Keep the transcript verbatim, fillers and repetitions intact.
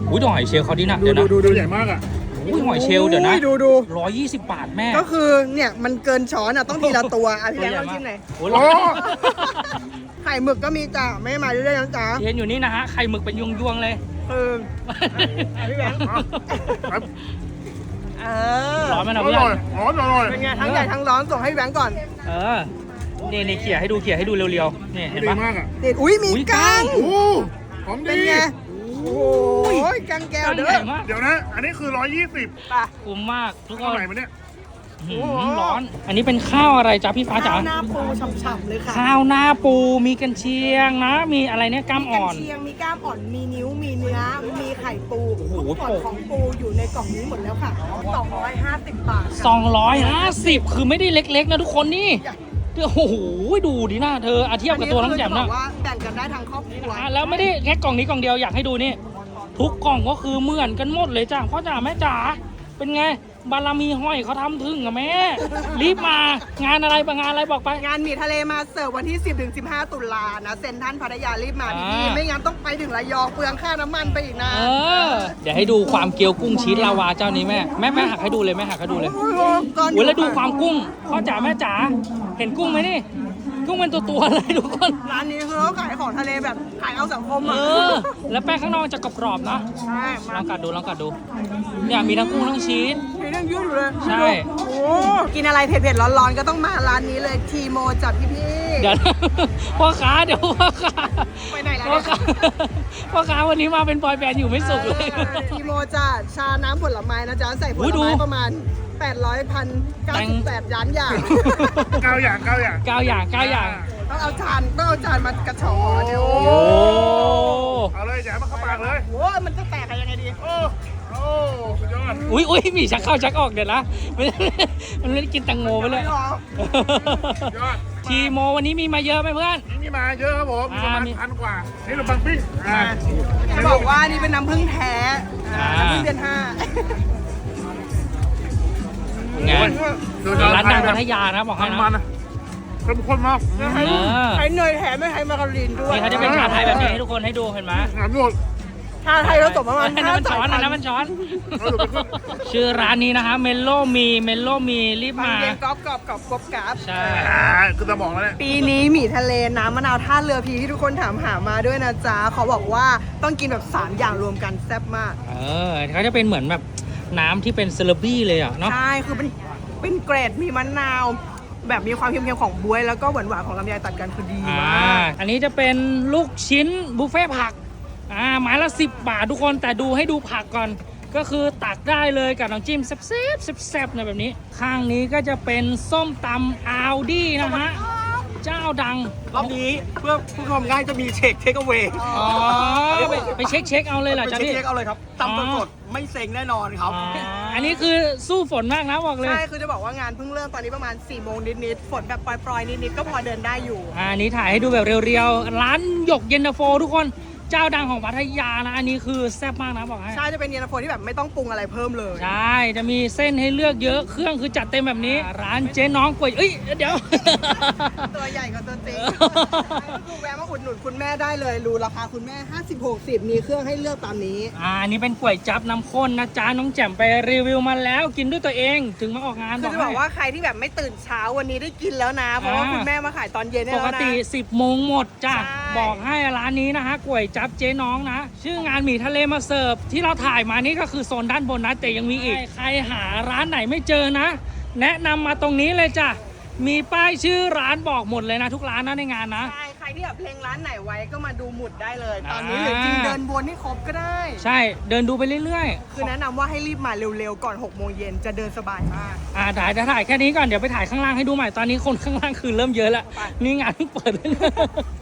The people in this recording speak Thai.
อุ้ยหอยเชลล์เขาดีนะดูเดี๋ยวดูนะดูดูใหญ่มากอ่ะอุ้ยหอยเชลล์เดี๋ยวนะดูดูร้อยยี่สิบบาทแม่ก็คือเนี่ยมันเกินช้อนอ่ะต้องทีละตัวอ่ะพี่แบงค์ลองชิมหน่อยโอ้โอ้ไข่หมึกก็มีจ้ะไม่มาเรื่อยๆนะจ๊ะเห็นอยู่นี่นะฮะไข่หมึกเป็นยวงๆเลยเอออ่ะพี่แบงค์ครับเออร้อนไหมอนะเพื่อร่อยนร้อนอร่อยเป็นไงทั้งใหญ่ทั้งร้อนส่งให้พี่แบงค์ก่อนเออนี่นี่เขี่ยให้ดูเขี่ยให้ดูเร็วๆนี่เห็นดีปะมากอ่ะติดอุ้ยมีอุ๊ยก้างโอ้หอมเป็ดีนไงโอ้ยกังแก้วก้างเด้ใหญ่อมากเดี๋ยวนะ อันนี้คือร้อยยี่สิบป่ะคุ้มมากทุกคเท่าน ไหร่มาเนี่ยหืมร้อน อันนี้เป็นข้าวอะไรจ๊ะพี่ฟ้าจ๋าข้าวหน้าปูฉ่ำๆเลยค่ะข้าวหน้าปูมีกันเชียงนะ มีอะไรเนี่ยกล้ามมีกัอ่นอนเชียงมีกล้ามอ่อนมีนิ้วมีเนื้อมีไข่ปูโอ้โหทุกส่วนของปูอยู่ในกล่องนี้หมดแล้วค่ะสองร้อยห้าสิบบาทค่ะสองร้อยห้าสิบคือไม่ได้เล็กๆนะทุกคนนี่โอ้โหดูดิหน้าเธออาเทียบกับตัวทั้งแจ่มอันะคือจบอกว่าแบ่งกันได้ทั้งครอบครัวอ่ะแล้วไม่ได้แค่กล่องนี้กล่องเดียวอยากให้ดูนี่ ทุกกล่องก็คือเหมือนกันหมดเลยจ้ะพ่อจ๋าแม่จ๋าเป็นไงบารมีห้อยเขาทำถึงอะแม่ รีบมางานอะไรบางงานอะไรบอกไปงานหมี่ทะเลมาเสิร์ฟวันที่ สิบถึงสิบห้า ตุลานะเซ็นทรัลพัทยารีบมาอ่าพี่ๆไม่งั้นต้องไปถึงระยองเปลืองค่าน้ำมันไปอีกนะเออเดี๋ยวให้ดูความเกี๊ยวกุ้งชีสลาวาเจ้านี้แม่แม่แม่หักให้ดูเลยแม่หักให้ดูเลยโอ้โหก่อนโอ้ยแล้วดูความกุ้งพ่อจ๋าแม่จ๋าเห็นกุ้งไหมนี่ กุ้งเป็นตัวตัวๆเลยทุกคนร้านนี้คือเขาขายของทะเลแบบขายเอาสังคมเออ่ะอ แล้วแป้งข้างนอกจะกรอบๆนะใช่ลมาองกัดดูลองกัดดู เนี่ยมีทั้งกุ้งทั้งชีสมีเรื่องยืดอยู่เลยใช่โอ้กินอะไรเผ็ดๆร้อนๆก็ต้องมาร้านนี้เลยทีโมจัดพี่เดี๋ยว นะพ่อค้าเดี๋ยวพ่อค้าๆไปไหนแล้วพ่อเนี่ยค้าพ่อค้าวันนี้มาเป็นบอยแบนด์อยู่ไม่สุกเลยออทีโมจัดชาน้ำผลไม้นะจ๊ะใส่ผอุ๊ลยดูไม้ประมาณแปดร้อยพันเก้าสิบแปดล้านอย่างเก้าอย่างเก้าอย่างเก้าอย่างเก้าอย่างต้องเอาจานต้องเอาจานมากระชอเดี๋ยวโอ้เอาเลยอย่าให้มันเข้าปากเลยโหมันจะแตกกันยังไงดีโอ้โอ้สุดยอดอุ้ยอุ้ยมีชักเข้าชักออกเดี๋ยวนะ มันมันไม่ได้กินแตังโมไปเลยไม่หรอกยอดทีโมวันนี้มีมาเยอะไหมเพื่อนนี่มีมาเยอะครับผมมีประมาณอ่ามีพันกว่า นี่ขนมปังปิ้งอ่าจะบอกว่านี่เป็นน้ำผึ้งแท้อ่าน้ำผึ้งเดือนห้างานสุดยอดร้านดังพัทยานะบอกให้มันนะนะเข้มข้นมากเออใช้เนยแถมไม่ใช้มาการีนด้วยนี่เขาจะเป็นชาไทยแบบนี้ให้ทุกคนให้ดูเห็นไหมงามหมดชาไทยผสมประมาณนั่นห้ามันสาช้ยอนพันะนนั่นธุ์มันช้อนเอาดูไปขึ้นชื่อร้านนี้นะคะเมลโลมีเมลโลมีรีบมันมาเย็นกรอบกรอบกรอบกรอบกราบใช่อ่าคือสมองแล้วเนี่ยปีนี้หมี่ทะเลน้ำมะนาวท่าเรือพีที่ทุกคนถามหามาด้วยนะจ๊ะเขาบอกว่าต้องกินแบบสามอย่างรวมกันแซ่บมากเออเขาจะเป็นเหมือนแบบน้ำที่เป็นเซเลบี้เลยอ่ะเนาะใช่ คือเป็นเป็นเกรดมีมะนาว แบบมีความเค็มๆของบ๊วยแล้วก็หวานๆของลำไยตัดกันคือดีอ่ามากอันนี้จะเป็นลูกชิ้นบุฟเฟ่ต์ผักอ่าไม้ละสิบบาททุกคนแต่ดูให้ดูผักก่อน ก็คือตักได้เลยกับน้ำจิ้มแซ่บๆแซ่บๆเนี่ยแบบนี้ ข้างนี้ก็จะเป็นส้มตำอาลดี้นะฮะเจ้าดังรอบนี้เพื่อผู้ชมง่ายจะมีเช็คเทคเอาไว้อ๋อไปไปเช็คเช็คเอาเลยเหรอไปจ๊ะเช็คพี่เทคเอาเลยครับอ๋อตำสดๆไม่เซ็งแน่นอนครับอ๋ออันนี้คือสู้ฝนมากนะบอกเลยใช่ คือจะบอกว่างานเพิ่งเริ่มตอนนี้ประมาณ4ี่โมงนิดๆฝนแบบปล่อยๆ นิดๆ ก็พอเดินได้อยู่อ่าอันนี้ถ่ายให้ดูแบบเรียวๆ ร้านหยกเย็นตาโฟทุกคนเจ้าดังของพัทยานะ อันนี้คือแซ่บมากนะบอกให้ใช่ จะเป็นเย็นตาโฟที่แบบไม่ต้องปรุงอะไรเพิ่มเลยใช่ จะมีเส้นให้เลือกเยอะเครื่องคือจัดเต็มแบบนี้ ร้านเจ๊น้องก๋วยเอ้ยเดี๋ยวตัวใหญ่กว่าตัวจริงคือแวะมาอุดหนุนคุณแม่ได้เลยรู้ราคาคุณแม่ ห้าสิบ หกสิบ มีเครื่องให้เลือกตามนี้อ่าอันนี้เป็นก๋วยจั๊บน้ำข้นนะจ๊ะน้องแจ่มไปรีวิวมาแล้วกินด้วยตัวเองถึงมาออกงานคือจะบอกว่าใครที่แบบไม่ตื่นเช้าวันนี้ได้กินแล้วนะ เพราะว่าคุณแม่มาขายตอนเย็นได้ปแล้วกนะติ สิบโมงหมดจ้ะใช่บอกให้ร้านนี้นะฮะก๋วยจั๊บเจ๊น้องนะ ชื่องานหมี่ทะเลมาเสิร์ฟที่เราถ่ายมานี่ก็คือโซนด้านบนนะแต่ยังมีอีก ใครหาร้านไหนไม่เจอนะ แนะนำมาตรงนี้เลยจ้ะมีป้ายชื่อร้านบอกหมดเลยนะทุกร้านนะในงานนะใช่ ใครที่แบบเพลงร้านไหนไว้ก็มาดูหมุดได้เลย ตอนนี้อ่าหรือจริงเดินวนให้ครบก็ได้ใช่เดินดูไปเรื่อยๆคือแนะนำว่าให้รีบมาเร็วๆ ก่อนหกโมงเย็นจะเดินสบายมากอ่าถ่ายถ่ายแค่นี้ก่อนเดี๋ยวไปถ่ายข้างล่างให้ดูใหม่ตอนนี้คนข้างล่างคือเริ่มเยอะแล้วนี่งานเพิ่งเปิด